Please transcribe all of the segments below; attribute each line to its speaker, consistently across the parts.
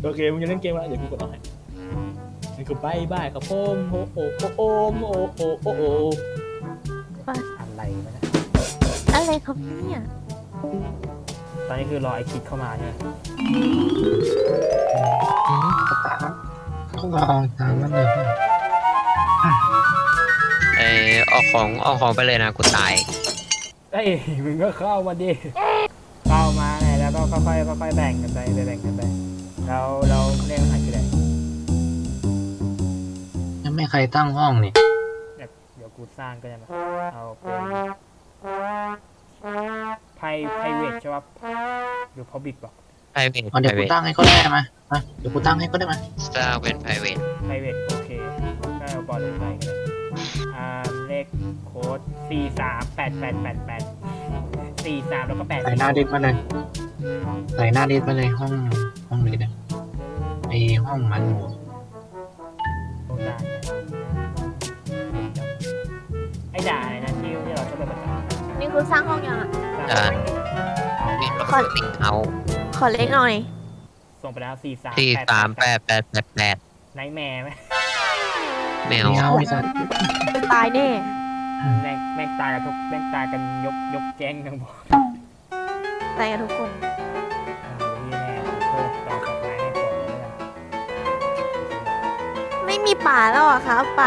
Speaker 1: โอเคมึงจะเล่นเกมอะไรเดี๋ยวกูกดออกให้นี่คือบายบายครับผมโอ้โอ้โอ้โอ้โอ้โอ้โอ้โอ้อะไรวะเนี่ย
Speaker 2: อะไรครับเนี่ย
Speaker 1: ตอนนี้คือรอไอคิดเข้ามาใช่ไหม
Speaker 3: ต้องลองตามมันเลย
Speaker 4: เอาของไปเลยนะกูตาย
Speaker 1: เอ้ยมึงก็เข้ามาดิเข้ามาไงแล้วก็ค่อยๆแบ่งกันไปแบ่งกันไปเราเล่นหันกันเลย
Speaker 3: ยังไม่ใครตั้งห้องนี่
Speaker 1: เดี๋ยวกูสร้างก็ได้มาเอาเป็นไพรเวทใช่ป่ะหรือพอบิดป่ะ
Speaker 4: private
Speaker 3: เดี๋ยวกู
Speaker 4: private
Speaker 3: ตั้งให้ก็ได้มาเดี๋ยวกูตั้งให้ก็ได้มา
Speaker 4: สร้างเป็น private
Speaker 1: ไพรเวทโอเคก็เอาบอลลงไปกันเลยเลขโค้ด438888 แล้วก็8
Speaker 3: ใส่หน้าดิสมาเลยใส่หน้าดิสมาเลยห้องนี้เลยไอห้องมันหมู
Speaker 1: โอ้ได้ไอ้ด่าอะไรนะที่เราชอบไปประจำ
Speaker 2: นี่คือสร้างห้องยังอ่ะ
Speaker 4: มีปกติเอา
Speaker 2: ขอเล็กหน่อย
Speaker 1: ส่งไปแล้ว
Speaker 4: 43888
Speaker 1: ไนท์แมร์ไหม
Speaker 4: แมว
Speaker 3: ไม่เอาไอ้สัส
Speaker 2: ตายแน่
Speaker 1: แม่งตายกันทุกแม่งตายกันยกแจ้งทั้งหมด
Speaker 2: ตายกันทุกคน
Speaker 1: นี่แน่เพิ่มต่อจากไนท์ให้ก่อนเลยนะ
Speaker 2: ไม่มีป่าแล้วอ่ะครับป่า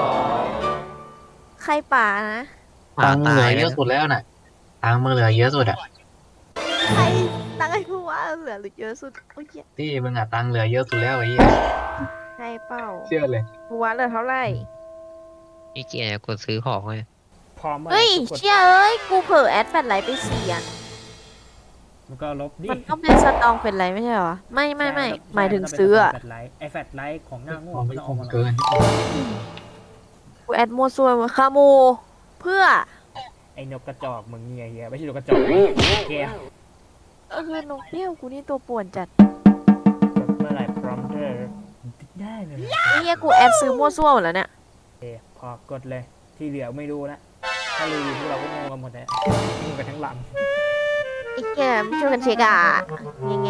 Speaker 2: ใครป่านะ
Speaker 3: ตังค์เหลือเยอะสุดแล้วน่ะตังค์มึงเหลือเยอะสุดอ่ะ
Speaker 2: ใครตั้งให้ผู้ว่าเหลือหรือเยอะสุดโอ้ย
Speaker 3: ที่มึงอ่ะตังค์เหลือเยอะสุดแล้วไอ้เหี้ย
Speaker 2: ใครเปล่า
Speaker 3: เชื่อเลย
Speaker 2: ผู้ว่าเหลือเท่าไหร่
Speaker 4: นี่เกียร์กดซื้อของเลย
Speaker 1: พร้อมเมื่อไหร่
Speaker 2: เฮ้ย
Speaker 1: กด
Speaker 2: เชี่ยเอ้ย กูเผลอแอดแฟลชไลท์ไป4อ่ะ
Speaker 1: มันก็ลบดิ
Speaker 2: มันต้องเป็นสตองเป็นไรไม่ใช่เหรอ ไม่หมายถึงซื้ออ่ะ
Speaker 1: แฟลชไลท์ไอแฟลชไลท์ของหน้าโง่
Speaker 3: ของ
Speaker 1: ไม่
Speaker 3: ไม่
Speaker 1: ต้อง
Speaker 3: ค
Speaker 1: เอา
Speaker 3: ง
Speaker 1: มา
Speaker 3: เกิน
Speaker 2: กูแอดมัวซัวมาคาโมเพื่อ
Speaker 1: ไอนกกระจอกมึงเนี่ยเฮียไม่ใช่นกกระจอกแก้ว
Speaker 2: คือนกเปี้ยวกูนี่ตัวป่วนจัด
Speaker 1: เมื่อไหร่พร้อมเธอได้เลย
Speaker 2: ไอ้เหี้ยกูแอดซื้อมัวซัวหมดแล้วเนี่ย
Speaker 1: โอเคพอกดเลยที่เหลือไม่รู้นะถ้ารู้พวกเราก็งงกันหมดแล้วงงกันทั้งลำ
Speaker 2: ไอ้เหี้ยไม่ช่วยกันเช็คอ่ะแง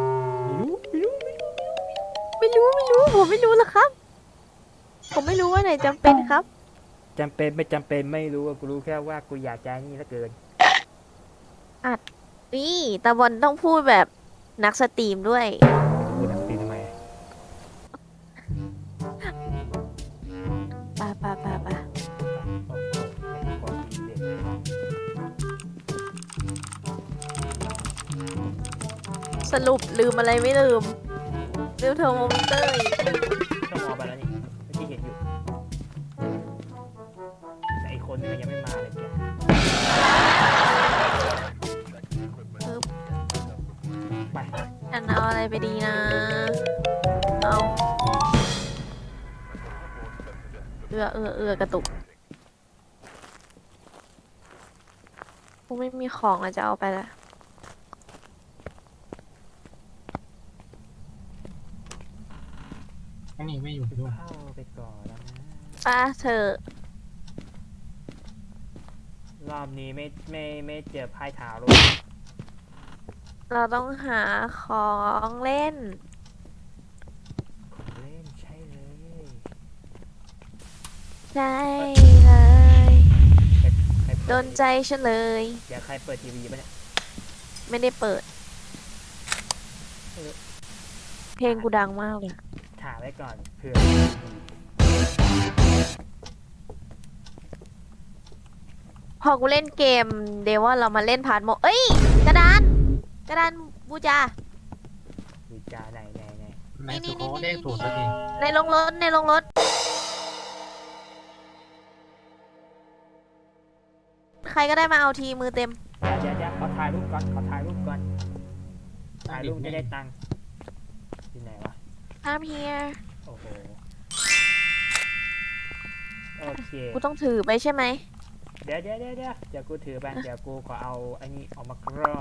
Speaker 2: ไม่รู้ผมไม่รู้หรอกครับ ผมไม่รู้ว่าไหนจำเป็นครับ
Speaker 1: จำเป็นไม่จำเป็นไม่รู้อะกูรู้แค่ว่ากูอยากจะนี่เหลือเกิน
Speaker 2: นี่ตาบอลต้องพูดแบบนักสตรีมด้วย
Speaker 1: กูทำตีทำไม
Speaker 2: ป่า
Speaker 1: โอ้โหกดดีเด็ด
Speaker 2: สรุปลืมอะไรไม่ลืมเทอร์โมมิเตอร์อีก
Speaker 1: ต้องมองไปแล้วนี่เมื่อกี้เห็นอยู่แต่อีกคนนึงมันยังไม่มาเลยแกไป
Speaker 2: อันเอาอะไรไปดีนะ เอากระตุกกูไม่มีของอะจะเอาไปละ
Speaker 3: อันนี้ไม่อยู่ด้วย
Speaker 1: เข้าไปก่อนแล้วนะ
Speaker 2: ป้าเธอ
Speaker 1: รอบนี้ไม่เจอไพ่เท้าลูก
Speaker 2: เราต้องหาของเล่น
Speaker 1: ของเล่นใช่เลย
Speaker 2: ใช่เลย
Speaker 1: ใคร
Speaker 2: โดนใจฉันเลย
Speaker 1: เดี๋ยวใครเปิดทีวีปะเนี่ย
Speaker 2: ไม่ได้เปิด เพลงกูดังมากเลย
Speaker 1: ถามไว้ก่อนเผื่อ
Speaker 2: พอกูเล่นเกมเดี๋ยวว่าเรามาเล่นพาร์ทโมเอ้ย กระดานบูจา
Speaker 1: วิจาไหน
Speaker 3: แม่สุโขเลขถูกสักที
Speaker 2: ในโรงรถ ใครก็ได้มาเอาทีมือเต็ม
Speaker 1: เดี๋ยวขอถ่ายรูปก่อนถ่ายรูปจะได้ตังค์ที่ไหนวะ
Speaker 2: I'm here
Speaker 1: โอ้โหโอเค
Speaker 2: กูต้องถือไปใช่ไหม
Speaker 1: เดี๋ยวกูถือไปเดี๋ยวกูขอเอาไอ้นี่ออกมาก่อน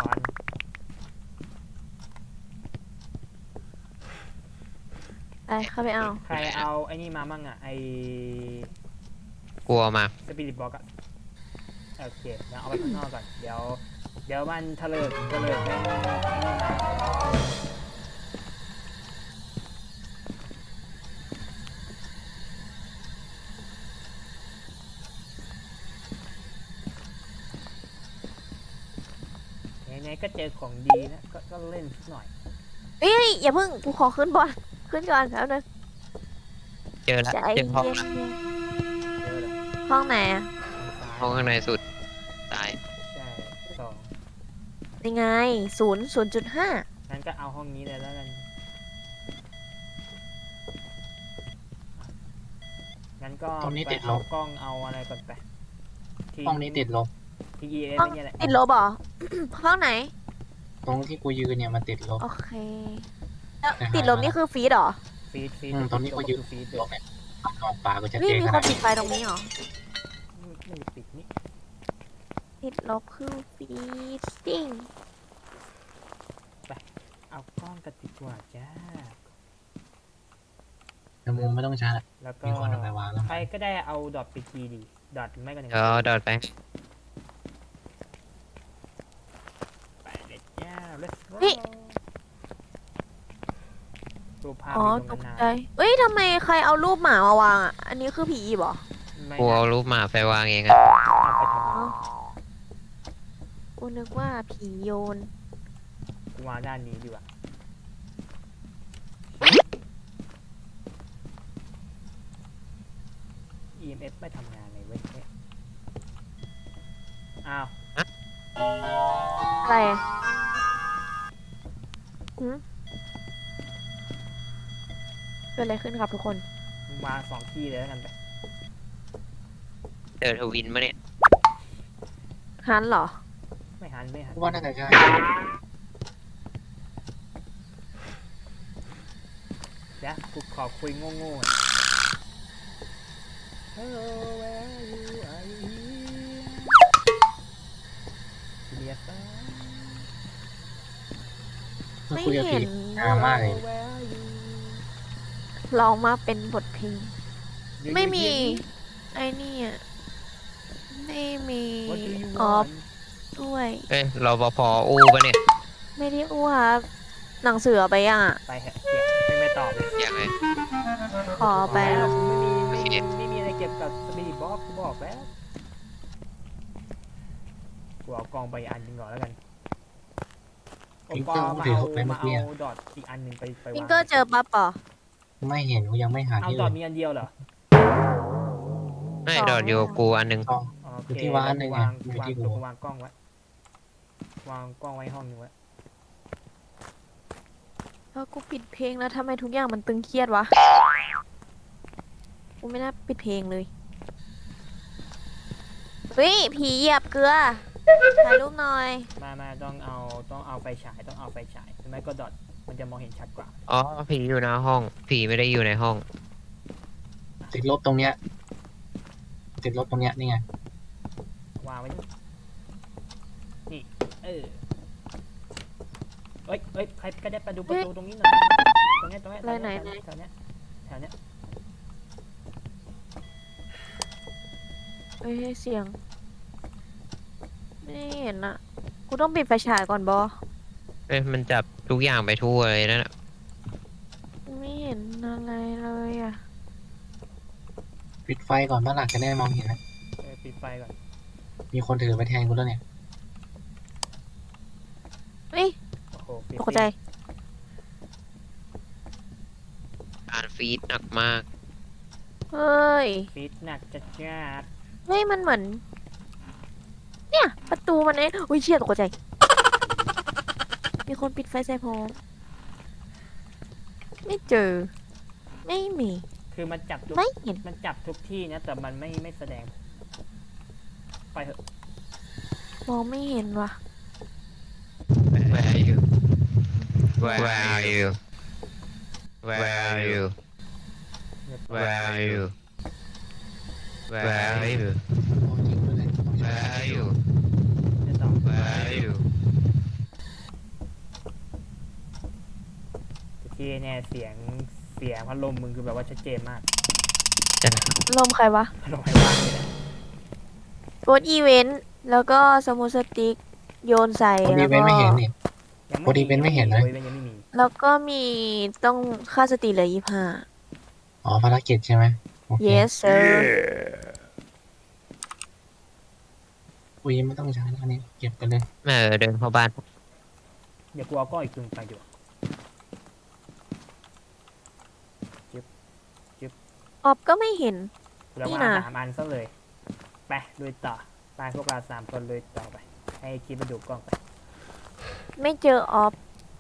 Speaker 2: ไปเข้าไปเอา
Speaker 1: ใครเอาไอ้นี่มามั่งอ่ะไอ้
Speaker 4: กลัวมา
Speaker 1: สปิริตบ็อกอะโอเคเดี๋ยวเอาไปข้างนอกก่อนเดี๋ยวมันเถลิกไม่มาก็เจอของดีนะก็เล่นสักหน่อย
Speaker 2: เอ้ยอย่าเพิ่งกูขอขึ้นบอลขึ้นก่อนแล้วนะ
Speaker 4: เจอแล้ว
Speaker 2: ใจ
Speaker 4: เจ
Speaker 2: เย็
Speaker 4: อน ห้องละ
Speaker 1: เจอแล้ว
Speaker 2: ห้องไหนอะ
Speaker 4: ห้องข้างในสุดตาย
Speaker 1: ใช่สอง
Speaker 2: ยังไง0.5
Speaker 1: งั้นก็เอาห้องนี้เลยแล้วกันงั้นก็
Speaker 3: ตรงนี้
Speaker 1: ไป
Speaker 3: ติดล
Speaker 1: เอา
Speaker 3: บ
Speaker 1: กล้องเอาอะไรก่อนไป
Speaker 3: ห้องนี้ติดลบ
Speaker 1: TES
Speaker 2: ห้อง
Speaker 1: นี่แหละ
Speaker 2: ติดลบเหรอ ห้องไหน
Speaker 3: ตรงที่กูยืนเนี่ยมันติดลบ
Speaker 2: โอเคแล้ว
Speaker 3: แต่หา
Speaker 2: ติดลบนี่คือฟีดเหรอ
Speaker 1: ฟีด
Speaker 3: ตรงนี้กูยืน
Speaker 1: ฟีด
Speaker 3: ลบเนี่ยมองปลากูจะ
Speaker 2: เฮ้ย
Speaker 3: เจ๊
Speaker 2: มี
Speaker 3: ข
Speaker 2: ค
Speaker 3: นาด
Speaker 2: นปิ
Speaker 3: นี้
Speaker 2: ดไฟตรงนี้เหรอ
Speaker 1: ไม่ปิดนี่
Speaker 2: ติดลบคือฟีดติ้ง
Speaker 1: เอากล้องกันดีกว่าจ้า
Speaker 3: แต่มุมไม่ต้องชาร์จ
Speaker 1: แล้วก็
Speaker 3: มีคนเอาไปวางแล้ว
Speaker 1: ใครก็ได้เอาดอทไปทีดีดอทไม่ก็หนึ่ง
Speaker 4: เดี๋ยวดอดไป
Speaker 1: ไปเลยจ้า let's go รูปภาพ
Speaker 2: อ๋อ
Speaker 1: อยู่
Speaker 2: ต
Speaker 1: ตร
Speaker 2: ก
Speaker 1: งนั้น
Speaker 2: ใจ
Speaker 1: นะ
Speaker 2: เอ้ยทำไมใครเอารูปหมามาวางอ่ะ อันนี้คือผีอีบเหรอ
Speaker 1: ไม่
Speaker 4: กู
Speaker 1: นะ
Speaker 4: เอารูปหมาไปวางเองอะ
Speaker 1: เอาไปทำไม
Speaker 2: กูนึกว่าผีโยน
Speaker 1: กูวางด้านนี้ดีกว่า EMF ไม่ทำงานเลยเว้ยอ้าว
Speaker 2: อะไรอะหืมเกิดอะไรขึ้นครับทุกคน
Speaker 1: มึงวาง2ที่เลยแล้วกันไป
Speaker 4: เจอทวินมาเนี่ย
Speaker 2: ฮันเหรอ
Speaker 1: ไม่หัน
Speaker 3: กูว่าน่าจะใช่
Speaker 1: เดี๋ยวกูขอคุยโง่ๆหน่อย Hello where are you are you here Yes sir
Speaker 3: เมื่อ
Speaker 2: ไม่
Speaker 3: คุยกับ
Speaker 2: เห็
Speaker 3: ผี
Speaker 2: น
Speaker 3: งามมากเลย
Speaker 1: Where are you
Speaker 2: ร้องมาเป็นบทเพลง
Speaker 1: You
Speaker 2: ไม่มี
Speaker 1: hear me?
Speaker 2: ไอ้นี่อ่ะ ไม่มี
Speaker 1: What do you
Speaker 2: ออฟ
Speaker 1: want
Speaker 2: ด้วย
Speaker 4: เอ้ยรปภอู้ปะเนี่ย
Speaker 2: ไม่ได้อ้วกหนังสือเอาไปยังอ่ะ
Speaker 1: ไปเหอะเก็บไม่ตอบเลย
Speaker 4: ยังไง
Speaker 2: ขอไป
Speaker 1: แล้วไม่
Speaker 4: โอเค
Speaker 1: มีอะไรเก็บกับสปีดบ็อกกูบอกแล้วกูเอากองไปอันหนึงก่อนแล้วกันโอปอมาเอาดอทอีกอันหนึ่งไปวาง
Speaker 2: พิงเกอร์เจอปั๊บป่ะ
Speaker 3: ไม่เห็นกูยังไม่หา
Speaker 1: เอา
Speaker 3: ที่
Speaker 1: ดอ
Speaker 3: อื่
Speaker 1: ท
Speaker 3: น
Speaker 1: มีอันเดียวเหรอ
Speaker 4: ไม่ดอดอยู่กับกูอันหนึง
Speaker 3: กล้อง
Speaker 1: โอเค
Speaker 3: อยู่ที่วางอันหนึ่งไง
Speaker 1: วาง
Speaker 3: อยู่ที่กู
Speaker 1: วางกล้องไว้วางกล้องไว้ห้องนึงไว้
Speaker 2: แล้วกูปิดเพลงแล้วทำไมทุกอย่างมันตึงเครียดวะ กูไม่น่าปิดเพลงเลย เฮ้ย ผีเหยียบเกลือ ถ่ายรูปหน่อย
Speaker 1: มาต้องเอาไฟฉายต้องเอาไฟฉายหรือไม่ก็ดอทมันจะมองเห็นชัดกว่า
Speaker 4: อ๋อผีอยู่หน้าห้อง ผีไม่ได้อยู่ในห้อง
Speaker 3: ติดลบตรงเนี้ยติดลบตรงเนี้ยนี่ไง
Speaker 1: วางไว้นี่เออเอ้ยใครก็ได้ไปดูประตูตรงนี้หน่อยตรงเนี้ย
Speaker 2: ไหน
Speaker 1: แถวเนี้ย
Speaker 2: เฮ้ยเสียง ไม่เห็นอะกูต้องปิดไฟฉายก่อนบอ
Speaker 4: เอ้ยมันจับทุกอย่างไปทั่วเลยนั่นน่ะ
Speaker 2: ไม่เห็นอะไรเลยอะ
Speaker 3: ปิดไฟก่อนบ้านหลักจะได้มองเห็นนะ
Speaker 1: ปิดไฟก่อน
Speaker 3: มีคนถือไปแทนกูแล้วเนี่ย
Speaker 2: เฮ้ย
Speaker 1: โอ้โหปิด
Speaker 2: ตกใจ
Speaker 4: การฟีดหนักมาก
Speaker 2: เฮ้ย
Speaker 1: ปิดหนักจัดจ้าด
Speaker 2: เฮ้ย มันเหมือน เนี่ย ประตูมันเองอุ้ยเชี่ยตกใจ มีคนปิดไฟใส่ผมไม่เจอ ไม่มี
Speaker 1: คือมันจับทุก
Speaker 2: ไม่เห็น
Speaker 1: มันจับทุกที่นะแต่มันไม่แสดงไปเถอะ
Speaker 2: มองไม่เห็นว่ะ
Speaker 4: Where are you Where are you Where are you Where are you Where are you
Speaker 3: โอ้ยิงไปเลย
Speaker 4: Where are you
Speaker 1: จะตอบ
Speaker 4: Where are you
Speaker 1: ที่เนี่ยเสียงพัดลมมึงคือแบบว่าชัดเจนมาก
Speaker 2: ลมใครวะ
Speaker 1: พัดลมไฟฟ้าเลยนะ
Speaker 2: โกดอีเวนต์ แล้วก็สมูทสติ๊กโยนใส่
Speaker 3: พอดี
Speaker 2: แล้ว
Speaker 3: เว้น
Speaker 2: ก็
Speaker 3: ไม่เห็นนี่
Speaker 1: ยัง
Speaker 3: พอดีเป็นไม่เห็นเลย
Speaker 1: ยังไม่มี
Speaker 2: แล้วก็มีต้องค่าสติเหลือ
Speaker 3: อ๋อภารกิจใช่ไหมโอเค
Speaker 2: 25 yes sir
Speaker 3: อุ้ยไม่ต้องใช้แล้วอันนี้เก็บไปเลย
Speaker 4: เดินเข้าบ้าน
Speaker 1: เดี๋ยวกูเอาก้อนอีกครึ่งไปดีกว่า
Speaker 2: ออบก็ไม่เห็น
Speaker 1: แล้ว
Speaker 2: นี่
Speaker 1: ว่า
Speaker 2: นะ
Speaker 1: 3 อันซะเลยไปลุยต่อไปพวกเรา3 คนลุยต่อไปให้คิดมาดูกล้องไป
Speaker 2: ไม่เจอออฟ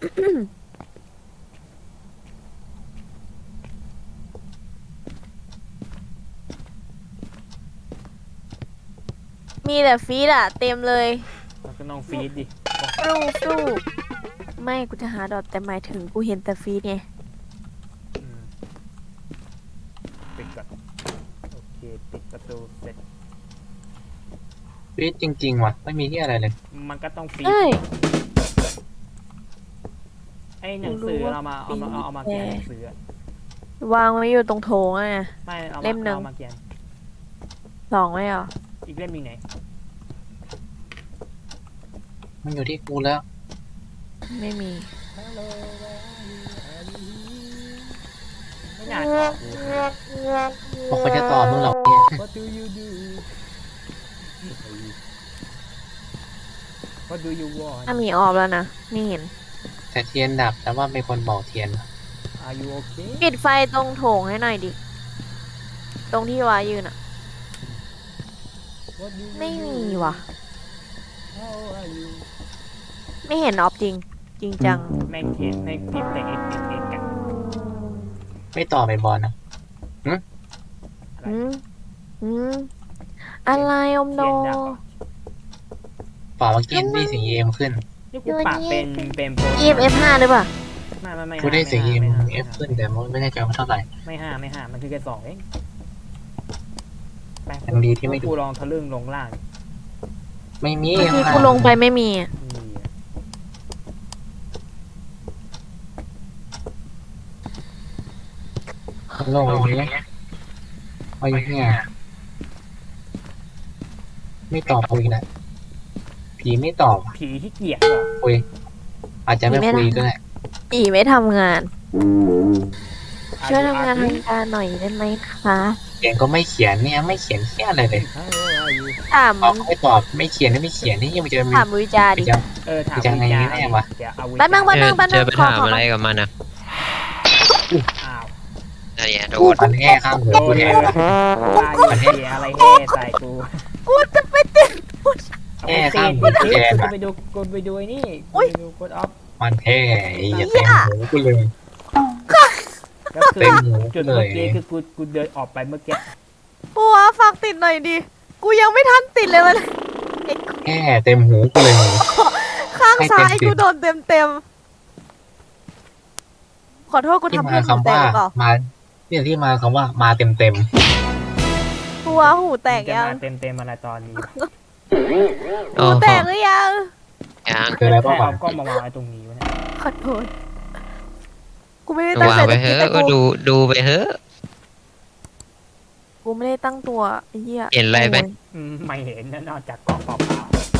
Speaker 2: มีแต่ฟีดอะเต็มเลย
Speaker 1: มันก็น้องฟีดดิ
Speaker 2: ฟรูไม่กูจะหาดอทแต่หมายถึงกูเห็นแต่ฟีดไง
Speaker 1: อืมปิดก่อนโอเคปิดประตูเสร็จ
Speaker 3: ฟีดจริงๆว่ะไม่มีที่อะไรเลย
Speaker 1: มันก็ต้องฟีด
Speaker 2: เอ้ย
Speaker 1: ไอ้หนังสือเรามาเอามาเขียนหนังสืออะ
Speaker 2: วางไว้อยู่ตรงโถงอะ
Speaker 1: ไม่เอา
Speaker 2: เล่มหนึ่ง
Speaker 1: เอามาเขียน
Speaker 2: สองไม่เหรอ
Speaker 1: อีกเล่มมีไหน
Speaker 3: มันอยู่ที่กูแล้ว
Speaker 2: ไม่มี
Speaker 1: ไม่น่าตอบกู
Speaker 3: บอกเขาจะตอบมึงหรอกเนี่ย
Speaker 1: What do you do What do you want
Speaker 2: ถ้ามีออฟแล้วนะไม่เห็น
Speaker 3: แต่เทียนดับแต่ว่ามีคนบอกเทียน
Speaker 1: Are you okay
Speaker 2: ปิดไฟตรงโถงให้หน่อยดิ ตรงที่วายืนอะ
Speaker 1: What do you
Speaker 2: ไม่
Speaker 1: do?
Speaker 2: มีว่ะ
Speaker 1: How are you
Speaker 2: ไม่เห็นออฟจริง จริงจัง
Speaker 1: แม่งเขียนแม่งพิมพ์แต่ X X X กัน
Speaker 3: ไม่ตอบไปบอลนะ
Speaker 2: อืมอืมอะไรอมโน
Speaker 1: เขียนดับเหรอ
Speaker 3: เปล่าเมื่อกี้ได้เสียงเอ็มขึ้น
Speaker 1: นี่กูปากเป็นโปร
Speaker 2: EMF 5หรือเปล่า
Speaker 1: ไม่
Speaker 3: กูได้เสียงเอ็ม
Speaker 1: ไม่ห้า
Speaker 3: เอฟขึ้นแต่ไม่แน่ใจว่าเท่าไหร่
Speaker 1: ไม่ห้ามันคือแค่2เองไป
Speaker 3: ยังดีที่ไม่ดู
Speaker 1: กูลองทะลึ่งลงล่าง
Speaker 3: ไม่มี
Speaker 2: เมื่อกี้กูลงไปไม่มีอะ
Speaker 1: นี่
Speaker 3: ลงไปอย่างเงี้ยเอาอย่างเงี้ยไม่ตอบคุยนะผีไม่ตอบ
Speaker 1: ผีที่เกียจเหรอ
Speaker 3: คุยอาจจะไม่คุยก็ได้
Speaker 2: อีไม่ทำงาน
Speaker 1: Are
Speaker 2: ช่วย
Speaker 1: you
Speaker 2: ทำงาน
Speaker 1: ugly?
Speaker 2: ทางการหน่อยได้ไหมคะ
Speaker 3: เขียนก็ไม่เขียนเนี่ยไม่เขียนแค่อะไรเลย
Speaker 1: How are you
Speaker 2: ถาม
Speaker 3: ตอบก็ไม่ตอบไม่เขียนก็ไม่เขียนนี่ยังมันจะมี
Speaker 2: ถามวิจาดิ
Speaker 3: จะ
Speaker 1: ถาม
Speaker 3: จะไง
Speaker 1: วิจารณ์
Speaker 3: แน่วะ
Speaker 1: เดี๋ยวเอาวิ
Speaker 2: แป๊บนึง
Speaker 1: จารณ์
Speaker 2: แป๊บนึง
Speaker 4: จะไป
Speaker 2: ขอ
Speaker 4: ถามอะไรกับมันอ่ะ
Speaker 1: อ้าว
Speaker 4: อันเนี้ยโดน
Speaker 3: มันแห่ข้างหัว
Speaker 1: โด
Speaker 3: กู
Speaker 1: น
Speaker 3: แท
Speaker 1: เลย
Speaker 3: น
Speaker 1: ว่าอยู่เหี้ยอะไรแห่ใส่กู
Speaker 2: กูจะไปติด
Speaker 3: แห่ข้างหัวกูแทน
Speaker 1: กู
Speaker 3: อะ
Speaker 1: ไปดูกูไปดูไอ้นี่
Speaker 2: อุ๊ย
Speaker 1: ไปดูกดออฟ
Speaker 3: มันแห่อย่าเต็มหูกูเลย
Speaker 1: ก็คือ
Speaker 3: เต็มหู
Speaker 1: จุ
Speaker 3: กู
Speaker 1: ด
Speaker 3: เล
Speaker 1: เมื่อย กี้คือกูเดินออกไปเมื่อกี้
Speaker 2: ปัวฝากติดหน่อยดิ กูยังไม่ทันติดเลยมัน
Speaker 3: แห่เต็มหูกูเลย
Speaker 2: ข้าง
Speaker 3: ให้
Speaker 2: ซ้าย
Speaker 3: เต็ม
Speaker 2: กูโดนเต็มขอโทษกู
Speaker 3: ที่
Speaker 2: ทำ
Speaker 3: มา
Speaker 2: เพื่อนหู
Speaker 3: คำ
Speaker 2: แต
Speaker 3: ว่าก
Speaker 2: หรือเปล่า
Speaker 3: มาเนี่ยที่มาคำว่ามาเต็มเต็ม
Speaker 2: ปัวหูแตก
Speaker 1: จะ
Speaker 2: ยัง
Speaker 1: มาเต็มอะไรตอนนี้
Speaker 4: โอ้
Speaker 2: หู
Speaker 4: โห
Speaker 2: แตกหรือยัง
Speaker 4: ยัง
Speaker 3: คืออะไร
Speaker 1: ใคร
Speaker 3: บ้างวะ
Speaker 1: เอากล้องมาวางไว้ตรงนี้วะเนี่ย
Speaker 2: ขอโทษ กูไม่ได้ตั้ง
Speaker 4: วาง
Speaker 2: ใจ
Speaker 4: ไป
Speaker 2: จะ
Speaker 4: เถ
Speaker 2: คิด
Speaker 4: อะ
Speaker 2: แต่
Speaker 4: ก็ดูไปเถอะ
Speaker 2: กูไม่ได้ตั้งตัวไอ้เหี้ย
Speaker 4: เห็นอะไรไหม
Speaker 1: ไม่เห็นนะนอกจากกล้องเปล่า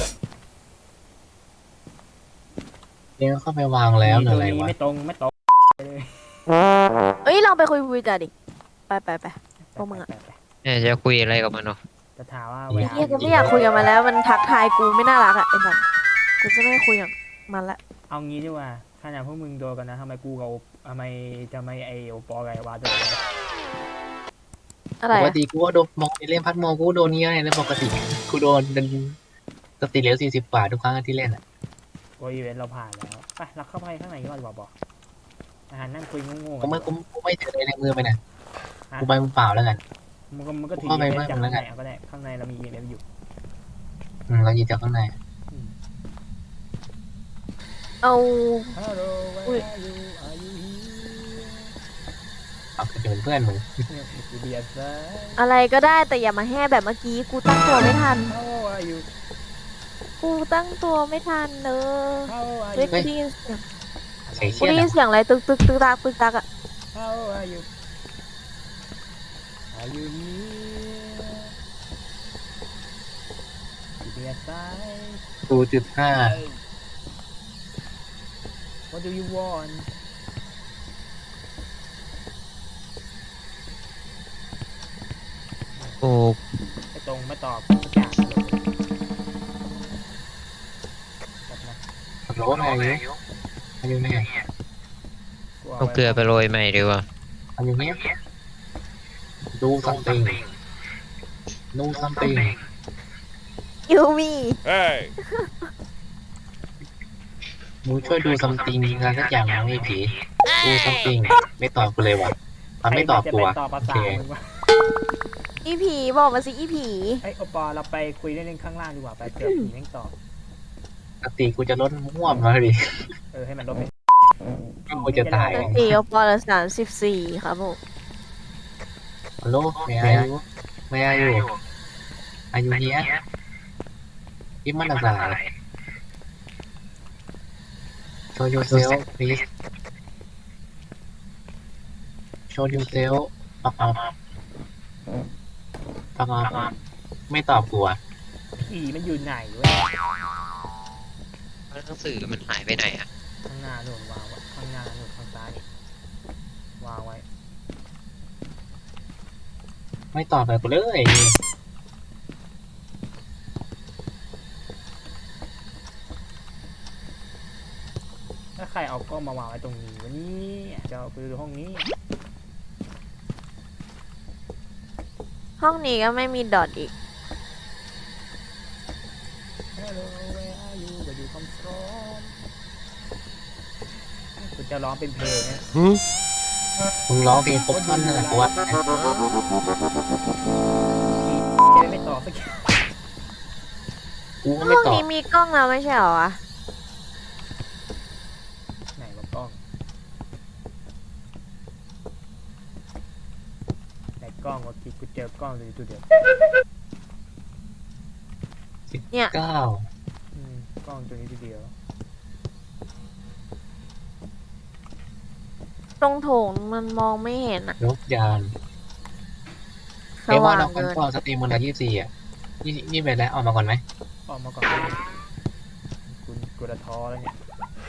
Speaker 3: เนี่ยเข้าไปวาง
Speaker 1: ๆ
Speaker 3: แล้วหรืออะไร
Speaker 1: ตรงนี้
Speaker 3: วะ
Speaker 1: ไม่ตรงเลย
Speaker 2: เอ้ยลองไปคุยวิจาดิ ไป พวกมึงอะ
Speaker 4: เนี่ยจะคุยอะไรกับมันเนาะ
Speaker 1: จะถามว่า
Speaker 2: ไอ้เหี้ยกูไม่อยากคุยกับมันแล้ว มันทักทายกูไม่น่ารักอะไอ้สัสกูจะไม่คุยกับมันละ
Speaker 1: เอางี้ดีกว่าขนาดพวกมึงโดนกันนะทำไมกูกับทำไมจะไม่ไอโอปอไงวะโดน
Speaker 2: อะไร
Speaker 3: ปก
Speaker 2: อะ
Speaker 3: ติกูก็โดนมองเล่นพัดมองกูโดนเนี้ยแล้วปกติกูโดนเป็นสติเหลือ40 บาททุกครั้งที่เล่นอ่ะ
Speaker 1: โกอีเวนต์เราผ่านแล้วไปเราเข้าไปข้างในก่อนบอกอาหารนั่งคุยโง่ๆ
Speaker 3: กูไม่ถืออะไรในมือไปนะกูไปมือเปล่าแล้วกัน
Speaker 1: มันก็ถือ
Speaker 3: เข้าไป
Speaker 1: อีเวน
Speaker 3: บ้าง
Speaker 1: ต์จาก
Speaker 3: แล้
Speaker 1: ข้าง
Speaker 3: ว
Speaker 1: ใน
Speaker 3: กัน
Speaker 1: ก็ได้ข้างในเรามีอีเวนต์อยู่
Speaker 3: เราหยิบจากข้างใน
Speaker 2: เอา
Speaker 1: Hello where are you are you
Speaker 3: เอาไปเป็นเพื่อนมึง
Speaker 1: here อีเดียส
Speaker 2: อะไรก็ได้แต่อย่ามาแห่แบบเมื่อกี้ กูตั้งตัวไม่ทัน
Speaker 1: How are you
Speaker 2: กูตั้งตัวไม่ทันเนอะ
Speaker 1: How are
Speaker 2: เฮ้ย
Speaker 1: you
Speaker 2: กูได้ยินเสียง
Speaker 3: ใส่
Speaker 2: กู
Speaker 3: เชี่ย
Speaker 2: ได้ยิ
Speaker 3: นะ
Speaker 2: นเสียงอะไรตึกตักอะ
Speaker 1: How are you Are you here อีเดียส
Speaker 3: 0.5
Speaker 1: What do you want
Speaker 4: โอ้
Speaker 1: ไม่ตรงไม่ตอบสักอย่างเลยแบบนั้น
Speaker 3: โหลอะไรอยู่มันอยู่ไหน
Speaker 4: เอาเกลือไปโรยใหม่ดีกว่า
Speaker 3: มันอยู่ไหนดู something ดู something
Speaker 2: ยูมี
Speaker 3: มึงช่วยดู something งานสักอย่างนะไอ้ผีดู something ไม่ตอบกูเลยวะมันไม่ตอบกูอะ
Speaker 1: ใครจะเป็นต่อภา
Speaker 3: โอ
Speaker 1: ษา
Speaker 3: เค
Speaker 1: มึงวะ
Speaker 2: อีผีบอกมาสิอีผี
Speaker 1: เอ้ยโอปอเราไปคุยเล่นๆข้างล่างดีกว่าไปเผื่อผีแม่งตอบ
Speaker 3: ปกติกูจะลดม่วมมาดิ
Speaker 1: ให้มันลดไป
Speaker 3: กูจะตาย
Speaker 2: สติโอปอละ34ครับผม
Speaker 3: ฮัลโหลไม่อายุไม่อายุอายุเนี้ยยิ้มมันอะไร show yourself please show yourself ปักอัพปักอัพไม่ตอบกูอะ
Speaker 1: ผีมันอยู่ไหนเว้ย
Speaker 4: หนังสือมันหายไปไหนอ่ะ
Speaker 1: ข้างหน้าหนุนวางไว้ข้างหน้าหนุนข้างซ้ายนี่วางไว้
Speaker 3: ไม่ตอบแบบกูเลย
Speaker 1: ถ้าใครเอากล้องมาวางไว้ตรงนี้วันนี้จะเอาไปดูห้องนี้
Speaker 2: ห้องนี้ก็ไม่มีดอทอีก
Speaker 1: Hello where are you where you come from คุณจะร้องเป็นเพลงเนี่ย
Speaker 3: มึงร้องเพลงครบท่อนนั่นแหละกูว่า
Speaker 1: จะไม่ตอบสักที
Speaker 3: กูก็
Speaker 2: ห้
Speaker 3: ไม่
Speaker 2: อง
Speaker 3: ตอบ
Speaker 2: นี้มีกล้องแล้วไม่ใช่เหรอวะ
Speaker 1: ไหนวะกล้องไหนกล้องวะคิดกูเจอกล้องเลยตัวเดียว
Speaker 3: เก้าก
Speaker 1: ล้องตัวนี้ตัวเดียว
Speaker 2: ตรงโถงมันมองไม่เห็นอะ
Speaker 3: ยกยาน
Speaker 2: ส
Speaker 3: เอ้ว่า
Speaker 2: ว่าง
Speaker 3: น้องคั
Speaker 2: เกิ
Speaker 3: น
Speaker 2: น
Speaker 3: ฟอร์สตรีมวันละ24อ่ะนี่ไปแล้วออกมาก่อนไหม
Speaker 1: ออกมาก่อนคุณกูจะท้อแล้วเนี่ย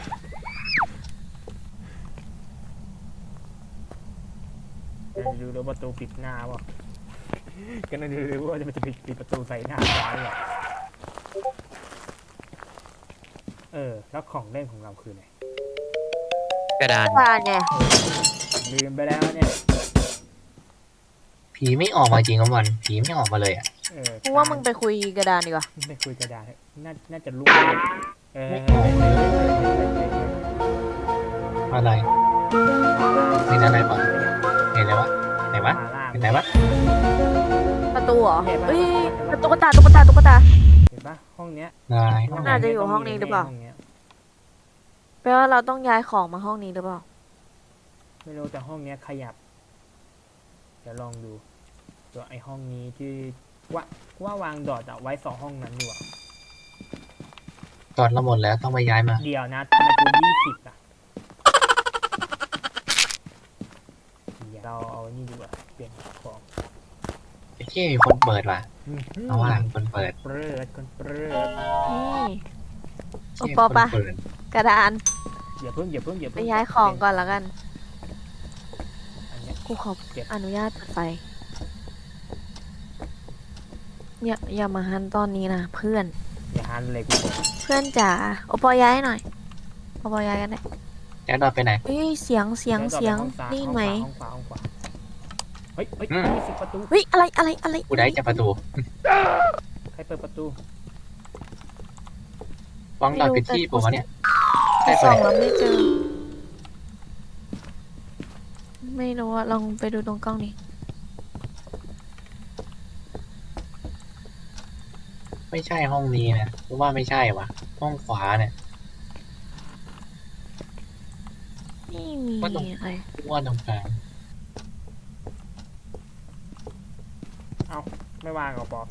Speaker 1: จะดูแล้วประตูปิดหน้าเปล่ะก็นั่นดูว่าจะมันจะปิดประตูใส่หน้าซ้ายหรอแล้วของเล่นของเราคือไหน
Speaker 4: กระดาน
Speaker 2: กระดานไง
Speaker 1: ลืมไปแล้วเนี่ย
Speaker 3: ผีไม่ออกมาจริงครับวันผีไม่ออกมาเลยอ่ะ
Speaker 2: กูว่ามึงไปคุยกระดานดีกว่า
Speaker 1: ไม่คุยกระดาษน่าจะรู้เออ
Speaker 3: อะไรเห็นอะไรปะเห็นอะไรวะไหนวะ
Speaker 1: มาล่า
Speaker 3: เห็นไหนวะ
Speaker 2: ประตูเหรอ
Speaker 1: เห็นปะ
Speaker 2: เอ้ยตุ๊กตาตุ๊กตาตุ๊กตา
Speaker 1: เห็นปะห้องเนี้ย
Speaker 3: นาย
Speaker 2: น่าจะอยู่ห้องนี้หรือเปล่า
Speaker 1: ห้งนี้ย
Speaker 2: แปลว่าเราต้องย้ายของมาห้องนี้หรือเปล่า
Speaker 1: ไม่รู้แต่ห้องเนี้ยขยับเดี๋ยวลองดูตัวไอห้องนี้ที่ว่าวางดอทอะไว้2ห้องนั้นดีกว่า
Speaker 3: ตอนเราหมดแล้วต้องไปย้ายมา
Speaker 1: เดี๋ยวนะทำไมกู20อะเดี๋ยวเราเอานี่ดีกว่าเปลี่ยนของ
Speaker 3: ไอ้ที่มีคนเปิดว่ะเอาว่าคนเปิด
Speaker 1: เปิดคนเปิด
Speaker 2: นี่
Speaker 3: เชี่ย
Speaker 2: ปอ
Speaker 3: คน
Speaker 2: ปะ
Speaker 3: เปิด
Speaker 2: กระดาน
Speaker 1: อย่าเพิ่ง
Speaker 2: ไปย้ายของก่อนแล้วกัน
Speaker 1: อันเนี้ย
Speaker 2: กูขอ
Speaker 1: เก็บ
Speaker 2: อนุญาตเปิดไฟอย่ามาหันตอนนี้นะเพื่อน
Speaker 1: อย่าหันเลยกูบอก
Speaker 2: เพื่อนจ๋าโอปอย้ายหน่อยโอปอย้ายกันได้
Speaker 3: แล้วเราไปไหน
Speaker 2: เอ้ยเสียง
Speaker 1: ดี๋วต่อไปห้องซ้าย
Speaker 2: นี่ไหม
Speaker 1: ห้องขวาเฮ้ย
Speaker 3: อืม
Speaker 1: มีสิบประตู
Speaker 2: เฮ้ยอะไร
Speaker 3: กูได้จากประตู
Speaker 1: ใครเปิดประตู
Speaker 3: วางดอดผิดที่ผมวะเนี่ย
Speaker 2: ไป
Speaker 3: ได้ไป
Speaker 2: ส่อง
Speaker 3: ไหน
Speaker 2: แล้วไม่เจอ ไม่รู้อะลองไปดูตรงกล้องนี้
Speaker 3: ไม่ใช่ห้องนี้นะกูว่าไม่ใช่วะห้องขวาเนี่ย
Speaker 2: ไม่มี
Speaker 3: ว่าตรง
Speaker 2: อะไร
Speaker 3: กูว่าตรงกลาง
Speaker 1: ไม่วางกับปอ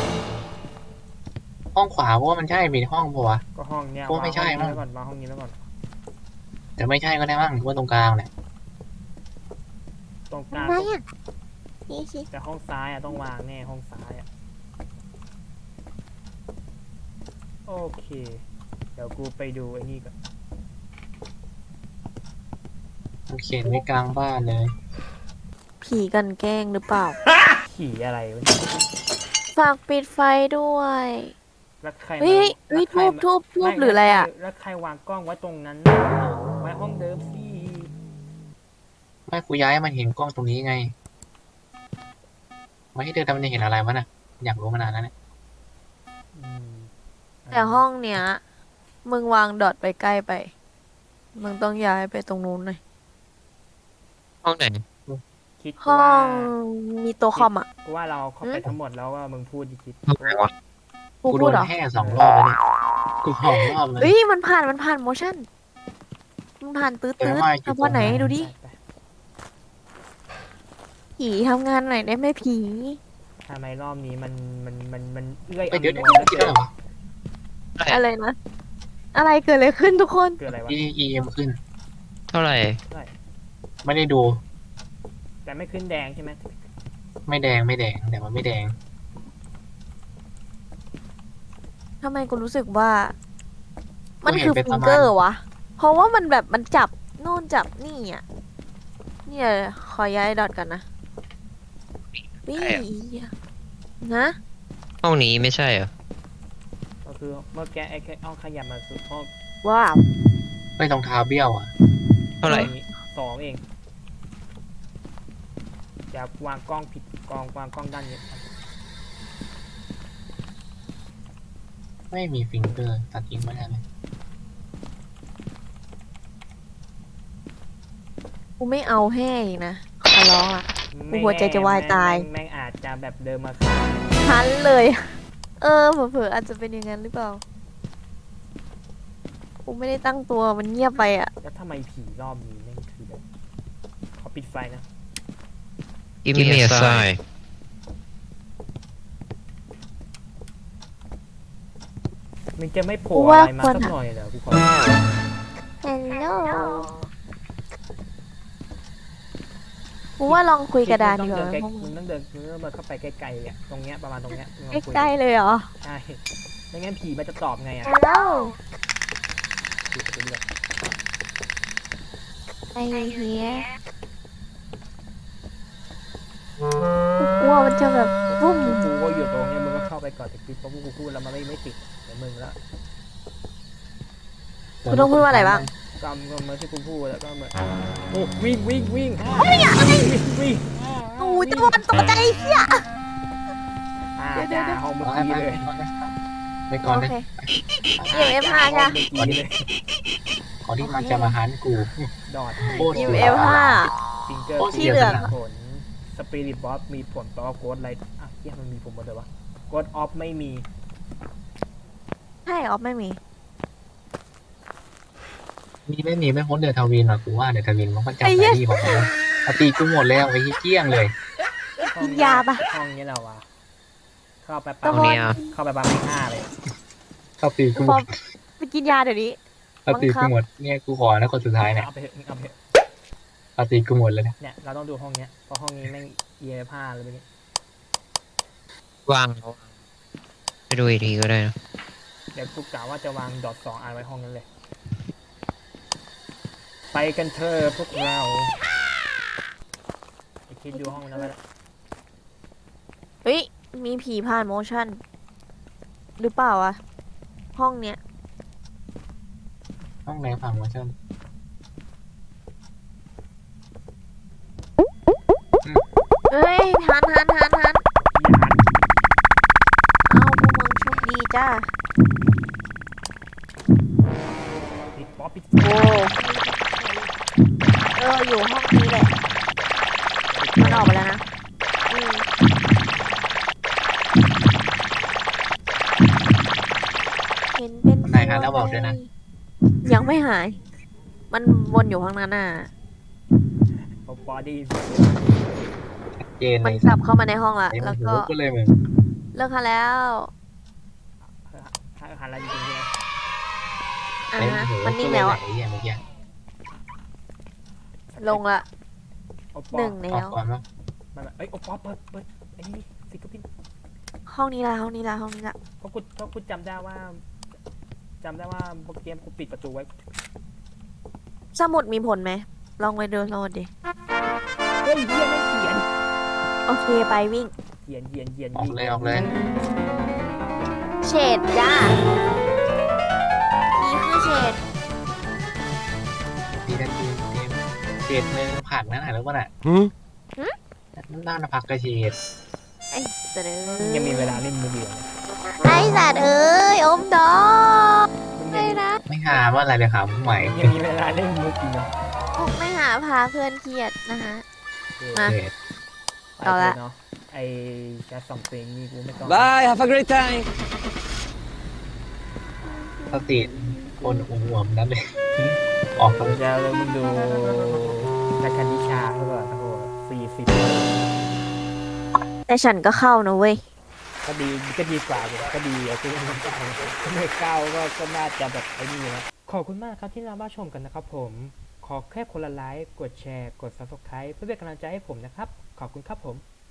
Speaker 3: ห้องขวากูว่ามันใช่มีห้องปะวะ
Speaker 1: ก็ห้องเนี้ย
Speaker 3: โอ้ไม่ใช่
Speaker 1: วางห้องนี้
Speaker 3: มั้ง
Speaker 1: ไว้ก่อนวางห้องนี้ไว้ก่อน
Speaker 3: แต่ไม่ใช่ก็ได้มั้งกูว่าตรงกลางเนี่ย
Speaker 1: ตรงกลาง
Speaker 2: ไหนอะนี่สิ
Speaker 1: แต่ห้องซ้ายอะต้องวางแน่ห้องซ้ายอะโอเค เดี๋ยวกูไปดูไอ้นี่ก่อน
Speaker 3: มันเขียนไว้กลางบ้านเลย
Speaker 2: ผีกันแกล้งหรือเปล่า
Speaker 1: ขี่อะไรวะเนี่ย
Speaker 2: ฝากปิดไฟด้วย
Speaker 1: แล้วใคร
Speaker 2: เฮ้ย
Speaker 1: แล้วใคร
Speaker 2: ทูบ
Speaker 1: ไม่
Speaker 2: หรืออะไรอะ
Speaker 1: แล้วใครวางกล้องไว้ตรงนั้นน่ะไว้ห้องเดิมสิ
Speaker 3: ไม่กูย้ายให้มันเห็นกล้องตรงนี้ไงไม่ให้เดินทำมันจะเห็นอะไรวะน่ะอยากรู้มานานแล้วเนี่ย
Speaker 1: อืม
Speaker 2: แต่ห้องเนี้ยมึงวางดอทไปใกล้ไป มึงต้องย้ายไปตรงนู้นหน่อย
Speaker 4: ห้องไหน
Speaker 1: คิด
Speaker 2: ห้อ
Speaker 1: ว่า
Speaker 2: งมีตัวคอมอ่ะ
Speaker 1: กูว่าเราเข้าไปทั้งหมดแล้วว่ามึงพูดดิคิด
Speaker 4: ห้องไหนวะ
Speaker 2: กู
Speaker 3: กูโด
Speaker 2: พูด
Speaker 3: น
Speaker 2: เหรอ
Speaker 3: แห่2 รอบแล้วเนี่ยกู2 รอบเลย
Speaker 2: เฮ้ยมันผ่านโมชั่นมันผ่านตื้อ
Speaker 3: แต่
Speaker 2: ตื้อ
Speaker 3: ว่าจุด
Speaker 2: ทำว่าไหน
Speaker 3: ตรงไหน
Speaker 2: ดูดิ
Speaker 1: ไป
Speaker 2: ผีทำงานหน่อยได้ไหมผี
Speaker 1: ทำไมรอบนี้มันเอื้อย
Speaker 3: เดี๋ยว
Speaker 1: อำนวย
Speaker 3: เดี๋ยว
Speaker 1: แล้ว
Speaker 3: เดี๋ยว
Speaker 1: เกิน
Speaker 2: อะไรนะ อะไรเกิดอะไรขึ้นทุกคน
Speaker 1: เกิดอะไรวะ
Speaker 3: EM ขึ้น
Speaker 4: เท่าไหร่
Speaker 3: ไม่ได้ดู
Speaker 1: แต่ไม่ขึ้นแดงใช่ไหม
Speaker 3: ไม่แดงแต่มันไม่แดง
Speaker 2: ทำไมกูรู้สึกว่า มัน
Speaker 3: กูเห็น
Speaker 2: คือ
Speaker 3: เป็น
Speaker 2: ฟิ
Speaker 3: ประ
Speaker 2: ง
Speaker 3: มาณ
Speaker 2: เกอร์วะ เพราะว่ามันแบบมันจับโน่นจับนี่อ่ะเนี่ยขอย้ายดอทกันนะวิ่นะ
Speaker 4: ห้องนี้ไม่ใช่เหรอ
Speaker 1: ก็คือเมื่อกี้ไอ้แค่เอาขยับมาสุดห้อง
Speaker 2: ว้าว
Speaker 3: ไม่รองเท้าเบี้ยวอ่ะ
Speaker 4: เท่าไหร่
Speaker 1: นี้2เองจะวางกล้องผิดวางกล้องด้านนี้
Speaker 3: ไม่มีฟิงเกอร์ตัดทิ้งไม่ได้เลย
Speaker 2: กูไม่เอาแห้อีกนะขอร้องอ่ะ กูหัวใจจะวายตาย
Speaker 1: แม่งอาจจะแบบเดินมาฆ่า
Speaker 2: ทันเลย เออเผลอๆอาจจะเป็นอย่างนั้นหรือเปล่า กูไม่ได้ตั้งตัวมันเงียบไปอ่ะ
Speaker 1: แล้วทำไมผีรอบนี้แม่งคือแบบขอปิดไฟนะ
Speaker 4: Give me a sign
Speaker 1: มันจะไม่โผล่
Speaker 2: กู
Speaker 1: อะ
Speaker 2: ว่า
Speaker 1: ไรมา
Speaker 2: ควร
Speaker 1: สัก
Speaker 2: อะ
Speaker 1: หน่อยเหรอกูขอ
Speaker 2: ฮัลโหลกูว่าลองคุยกระดานดีกว่า
Speaker 1: มึงต้องเดินมาเข้าไปใกล้ๆอ่ะตรงเนี้ยประมาณตรงเนี้ยมึงลองคุย
Speaker 2: ใกล้ๆเลยเหรอ
Speaker 1: ใช่ไม่งั้นผีมันจะตอบไงอ่ะ
Speaker 2: ฮัลโหล
Speaker 1: ผีจะเลือก
Speaker 2: ไอเฮียกูกลัวมันจะแบบบุ้ม
Speaker 1: กูก็อยู่ตรงเนี้ยมึงก็เข้าไปก่อนแต่คือเพราะพวกกูพูดแล้วมันไม่ติดเดี๋ยวมึงแล้ว
Speaker 2: กูต้องพูดว่าอะไรบ้าง
Speaker 1: ก็เหมือนที่กูพูดแล้วก็เหมือนโอ้วิ่งวิ่ง
Speaker 2: โอ้ยตะวันตกใจเฮีย เดี๋ยว
Speaker 1: ห้องเมื่อ
Speaker 3: ไป
Speaker 1: กี้เลย
Speaker 3: ไปก่อน
Speaker 2: โอ
Speaker 3: เลย
Speaker 2: เค EMF 5ใช่
Speaker 1: ห้องเมื่อกี้เลย
Speaker 3: ก่อนที่มันจะมาหันกู
Speaker 1: ดอด
Speaker 3: โคตร
Speaker 2: EMF
Speaker 1: ฟิงเกอร์
Speaker 2: ที่เหลือ
Speaker 1: ผลสปิริตบอสมีผลต่อโกดไลท์อ่ะเฮียมันมีผลหมดเลยวะโกดออฟไม่มี
Speaker 2: ใช่ออฟไม่มี
Speaker 3: ไม่มีไม่พ้นเดือดทวินหรอกกูว่าเดือดทวินมันก็จับไปที่ของมันเอาตีกูหมดแล้วไอ้เกี้ยงเลย
Speaker 2: กินยาปะ
Speaker 1: ห้องนี้เราวะเข้าไป
Speaker 2: ตะ
Speaker 1: ปั๊ม
Speaker 2: วัน
Speaker 4: เนี่ย
Speaker 1: เข้าไปปั๊มไม่ห้าเลย
Speaker 3: เอาตีกูห
Speaker 2: พ
Speaker 3: ม
Speaker 2: อ
Speaker 3: ด
Speaker 2: ไปกินยาเดี๋ยวนี้
Speaker 3: เอาตีกูหมดเนี่ยกูขอนะคนสุดท้ายเนี่ย
Speaker 1: เอาไปเถอะเอาไปเถอะ
Speaker 3: เอาตีกูหมดเลยนะ
Speaker 1: เนี่ยเราต้องดูห้องเนี้ยเพราะห้องนี้แม่งเอียผ้าเลยเมื่อกี้
Speaker 4: วางไปดูอีกทีก็ได้นะ
Speaker 1: เดี๋ยวกูกะว่าจะวางดอท2อันไว้ห้องนั้นเลย ไปกันเถอะพวกเราไปคิดดูห้องนั้นก็ได้
Speaker 2: เฮ้ย มีผีผ่านโมชั่น หรือเปล่าวะ ห้องเนี้ย
Speaker 3: ห้องไหนฝั่งวะเชิญ
Speaker 2: เอ้ยหันเอาพวกมึงโชคดีจ้า
Speaker 1: ปิดป๊อปปิด
Speaker 2: โอ้อยู่ห้องนี้แหละ มันออกไปแล้วนะอืมเห็นเป็น
Speaker 3: ไหนฮะแล้วบอกด้วยนะ
Speaker 2: ยังไม่หาย มันวนอยู่ข้างนั้นน่ะ
Speaker 1: บอดี้
Speaker 3: เจน
Speaker 2: มั
Speaker 3: ใน
Speaker 2: นกลับเข้ามาในห้องละ
Speaker 3: ไอ้มั
Speaker 2: แล้
Speaker 3: น
Speaker 2: ว
Speaker 3: หู
Speaker 2: ก็
Speaker 3: กูเลยมึง
Speaker 2: เลิกค่ะแล้ว
Speaker 1: หันอะไรจริงๆใช่ไหม
Speaker 2: อ่า
Speaker 3: ไอ้
Speaker 2: ฮะ
Speaker 3: หู
Speaker 2: มัน
Speaker 3: กู
Speaker 2: นิ่ง
Speaker 3: เลย
Speaker 2: แล้ว
Speaker 3: ไหน
Speaker 2: อะ
Speaker 3: ไอ้เหี้ยเมื่อกี้
Speaker 2: ลงละ
Speaker 1: โอป
Speaker 2: หนึ่ง
Speaker 3: ออ
Speaker 2: แล้
Speaker 3: ก
Speaker 2: ว
Speaker 3: ก่อนมั้ง
Speaker 1: มันเอ้ยโอปอเปิดไอ้นี่สิกระพิน
Speaker 2: ห้องนี้ละห้องนี้ละ
Speaker 1: เพราะกูจำได้ว่าเกมกูปิดประตูไว้
Speaker 2: สมุดมีผลไหม ลองไปดูโลดดิ
Speaker 1: เฮ้ยเฮียไม่เขียน
Speaker 2: โอเคไปวิ่ง
Speaker 1: เขียน
Speaker 3: ออกเลยออกเลย
Speaker 2: เฉดจ้านี่คือเฉด
Speaker 3: เศษเมืองผักนั่นหรือเปล่าน่ะน่าผักกระเฉด
Speaker 2: ไอ้สัตว์เอ้
Speaker 1: ยังมี
Speaker 2: ย
Speaker 1: เวลาเล่นมือเดียวนะ
Speaker 2: ไอ้สัตว์เอ้ยอมดอก
Speaker 1: มึง
Speaker 2: ไม่นะ
Speaker 3: ไม่หาว่าอะไรเดี๋ยวหาใหม่
Speaker 1: ยังมีเวลาเล่นมืออีกนะ
Speaker 2: มุกไม่หาพาเพื่อนเครียดนะคะ มา
Speaker 3: เศษ
Speaker 1: ไป
Speaker 2: เอา
Speaker 1: เล
Speaker 2: ละ
Speaker 1: ยเนาะไอแชทสองเพลงนี่กูไม่ต้อง
Speaker 5: Bye, have a great time.
Speaker 3: สติคนอ้วนๆนั่นเลยออก
Speaker 1: เดี๋ยวจะเริ่มมึงดูนักการดิชาเขาก็โอ้โห40
Speaker 2: แต่ฉันก็เข้านะเว้ย
Speaker 1: ก็ดีกว่าอยู่ก็ดีอะคือไม่เข้าก็น่าจะแบบไอ้นี่นะขอบคุณมากครับที่รับชมกันนะครับผมขอแค่คนละไลค์กดแชร์กด Subscribe เพื่อเป็นกำลังใจให้ผมนะครับขอบคุณครับผม